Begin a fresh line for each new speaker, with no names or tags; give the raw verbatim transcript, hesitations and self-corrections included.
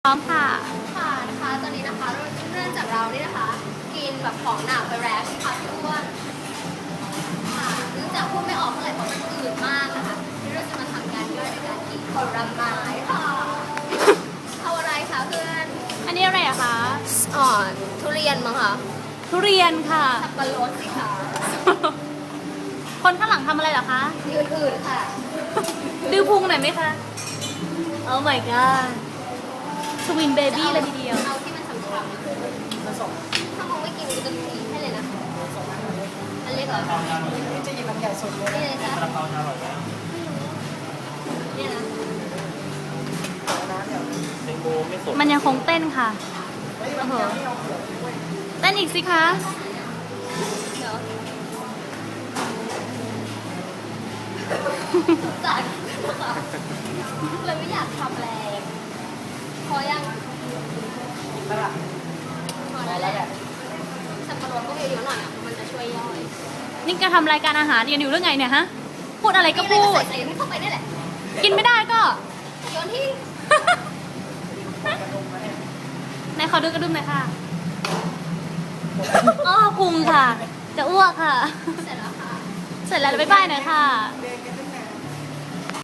พร้อมค่ะ
ค่ะนะคะตอนนี้นะคะเรื่องจากเรานี่นะคะกินแบบของหนักไปแล้วค่ะพี่อ้วนค่ะเนื่องจากพูดไม่ออกเท่าไหร่เพราะมันอืดมากนะคะที่เราจะมาทำการย่อยในการกินผลไม้ค่ะเอาอะไรคะเพื่อน
อันนี้อะไรอะคะ
อ่อนทุเรียนมั้งคะ
ทุเรียนค่ะ
สับปะรดสิคะ
คนข้างหลังทำอะไรเหรอคะ
ยืนอื่นค่ะ
ดื้อพุงหน่อยไหมคะ Oh my god สวินเบบี้เลยทีเดียว
เอาที่มันฉ่ำๆถ้ามึงไม่กินกูจะกินให้เลยนะอันเล็กเหรอ
นี่จะหยิบลำใหญ่สุดเลย
นี่เลยจ้ะ
กระเพราจะอร่อยไหม
นี่นะ
น้ำเดี๋ยว
แตงโมไม่สด
มันยังคงเต้นค่ะ
เฮ้ยลำไยไม่เอาเปลือกด้วย
เต้นอีกสิคะ
เดี๋ยวจัดเลยไม่อยากทำแรงพอยัง
นั่นแหละ
พอแล้วแหละสับปะรดก็เยอะๆหน่อยอ่ะมันจะช่วยย่อย
นี่แกทำรายการอาหารกันอยู่เรื่องไงเนี่ยฮะ พูดอะไรก็พู
มีอะไร
ด
ใส่ใส่เข้าไปนี่แหละ
กินไม่ได้ก็
โยนทิ้ง
ไหนขอดูกระดุมหน่อยค่ะอ้อพุงค่ะ จะอ้วกค่ะ
เสร็จแล้วค่ะ
เสร็จแล้วบ๊ายบายหน่อยค่ะ
เรีย